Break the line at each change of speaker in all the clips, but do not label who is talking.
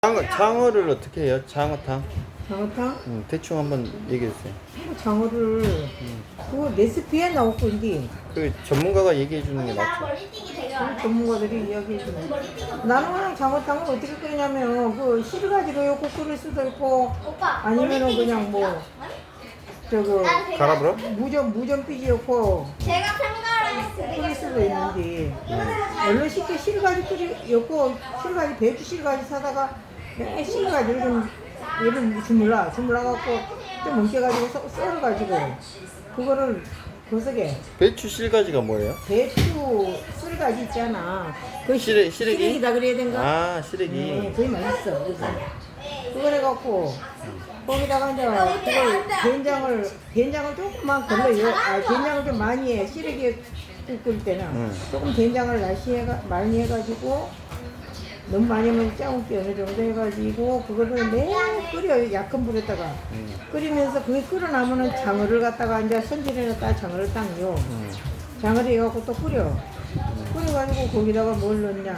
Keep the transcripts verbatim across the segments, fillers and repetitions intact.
장어, 장어를 어떻게 해요? 장어탕?
장어탕?
음, 대충 한번 얘기해 주세요.
장어를 그거 레시피에 나왔건데
그 전문가가 얘기해 주는 게 낫죠.
전문가들이 이야기해주네. 나는 그냥 장어탕을 어떻게 끓이냐면 그 실가지로 요거 끓일 수도 있고 아니면은 그냥 뭐 저거
갈아불어?
무전 무전 삐지였고
제가 생각을
끓일 수도 있는데 얼른 쉽게 실가지 끓이 요거 실가지 배추 실가지 사다가 매 실가지를 좀 얘를 주물러 주물러 갖고 좀 뭉개가지고 썰- 썰어가지고 그거를 거석에
배추 실가지가 뭐예요?
배추 쓸가지 있잖아. 그
시래- 시래기?
시래기다 그래야 된가?
아, 시래기.
네, 그게 맛있어. 그래서 그걸 해갖고 거기다가 이제 그걸 된장을 된장을 조금만 걸러요. 아, 된장을 좀 많이 해. 시래기 끓일 때는
음.
조금 된장을 날씨 해가 많이 해가지고 너무 많이 하면 짜고 어느 정도 해가지고 그거를 매 끓여 약한 불에다가
음.
끓이면서 그게 끓어나면은 장어를 갖다가 이제 손질해놨다가 장어를 딱요.
음.
장어를 해갖고 또 끓여. 끓여가지고 거기다가 뭘 넣냐.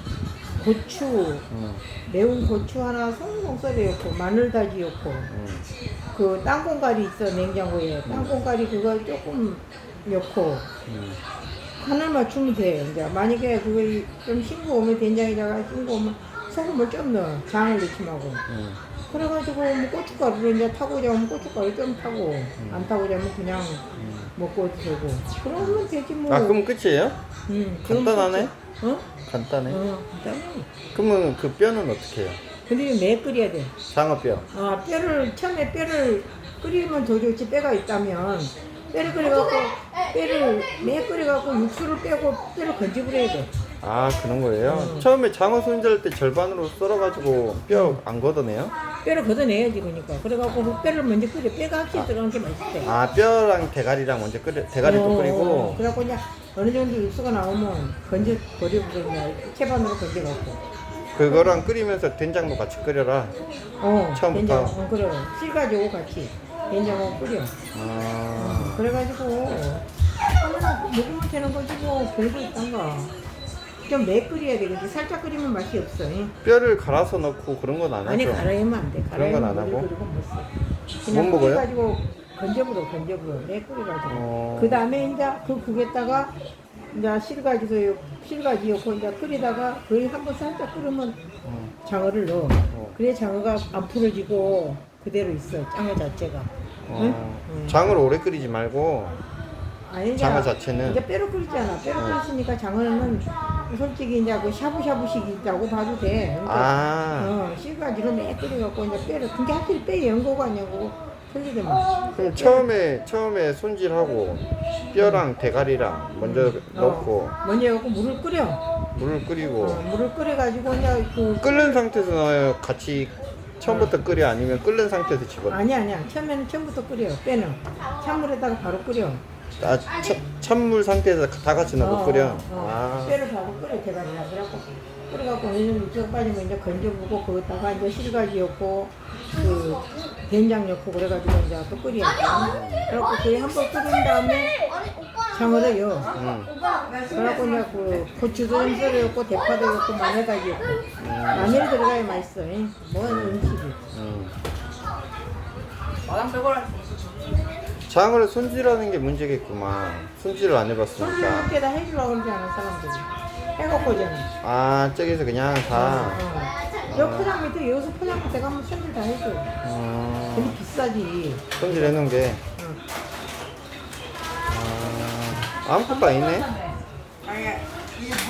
고추,
음.
매운 고추 하나 송송 썰어놓고, 마늘 다지 넣고,
음.
그 땅콩가리 있어, 냉장고에. 땅콩가리 그거 조금 넣고,
음.
간을 맞추면 돼. 이제 만약에 그거 좀 싱거우면 된장에다가 싱거우면 소금을 좀 넣어. 장을 넣지 말고.
음.
그래가지고 뭐 고춧가루를 이제 타고자 하면 고춧가루 좀 타고, 안 타고자 하면 그냥 먹고 되고. 그러면 되지 뭐.
아, 그럼 끝이에요?
응,
간단하네?
어?
간단해.
어, 간단해.
그러면 그 뼈는 어떻게 해요?
근데 이거 매 끓여야 돼.
장어뼈.
아, 뼈를, 처음에 뼈를 끓이면 더 좋지, 뼈가 있다면. 뼈를 끓여갖고, 뼈를 매 끓여갖고 육수를 빼고 뼈를 건져버려야 돼.
아, 그런 거예요?
음.
처음에 장어 손질할 때 절반으로 썰어가지고 뼈 안 걷어내요?
뼈를 걷어내야지, 그러니까. 그래갖고 그 뼈를 먼저 끓여. 뼈가 확실히 들어간 게 맛있대.
아, 뼈랑 대가리랑 먼저 끓여, 대가리도
어,
끓이고.
그래갖고 이제 어느 정도 육수가 나오면 건져 버려버리냐. 채반으로 건져갖고.
그거랑 끓이면서 된장도 같이 끓여라.
어,
처음부터?
된장, 어, 그래. 실가지고 같이. 된장하고 끓여.
아,
그래가지고 하나 먹으면 되는 거지 뭐 별거 있단가. 좀 매 끓여야 되겠지. 살짝 끓이면 맛이 없어. 예.
뼈를 갈아서 넣고 그런 건 안 하죠?
아니 갈아야면 안 돼.
그런 건안
갈아야면
하고?
그리고 못 써.
못
그냥
먹어요?
끓여가지고 건져버려 건져버려. 매 끓여가지고.
어.
그 다음에 이제 그 국에다가 이제 실가지도 실가지 넣고 이제 끓이다가 거의 한 번 살짝 끓으면
어.
장어를 넣어.
어.
그래 장어가 안 풀어지고 그대로 있어. 장어 자체가.
어.
응? 응.
장어를 오래 끓이지 말고.
아니,
장어
이제
자체는?
이제 뼈로 끓이잖아. 뼈로
어.
끓였으니까 장어는 솔직히 이제 그 샤브샤브식 있다고 봐도 돼. 그러니까
아,
어, 실가지로 매 끓여갖고 이제 뼈를 근데 하필 뼈 연고가 아니고 틀리더만.
그럼 처음에, 처음에 손질하고 뼈랑 대가리랑 먼저 넣고
어, 먼저 해갖고 물을 끓여.
물을 끓이고
어, 물을 끓여가지고 이제 그
끓는 상태에서 넣어요? 같이 처음부터 끓여? 아니면 끓는 상태에서 집어넣어?
아니 아니야. 처음에는 처음부터 끓여. 뼈는 찬물에다가 바로 끓여.
아, 차, 찬물 상태에서 다 같이 넣고
어,
끓여?
어,
아,
뼈를 바로 끓여 대가리랑 그래갖고 끓여갖고 어느 정도 육수가 빠지면 이제 건져보고 거기다가 이제 실가지 넣고 그 된장 넣고 그래가지고 이제 또 끓여야지. 그래갖고 그게 한번 끓인 다음에 장어를 넣어.
음.
그래갖고 이제 그 고추도 좀 썰어 넣고 대파도 넣고 마늘까지 넣고 마늘 들어가야 맛있어. 이. 뭐 음식이.
음. 장어를 손질하는 게 문제겠구만. 손질을 안 해봤으니까.
손님한테다 해주려고 그러지 않아 사람들이. 해갖고 오잖아.
아, 저기서 그냥 다.
어. 여 포장 밑에 여기서 포장 밑에 가면 손질 다 해줘.
어,
되게 비싸지.
손질해 놓은 게.
응.
아, 아무것도 안 있네.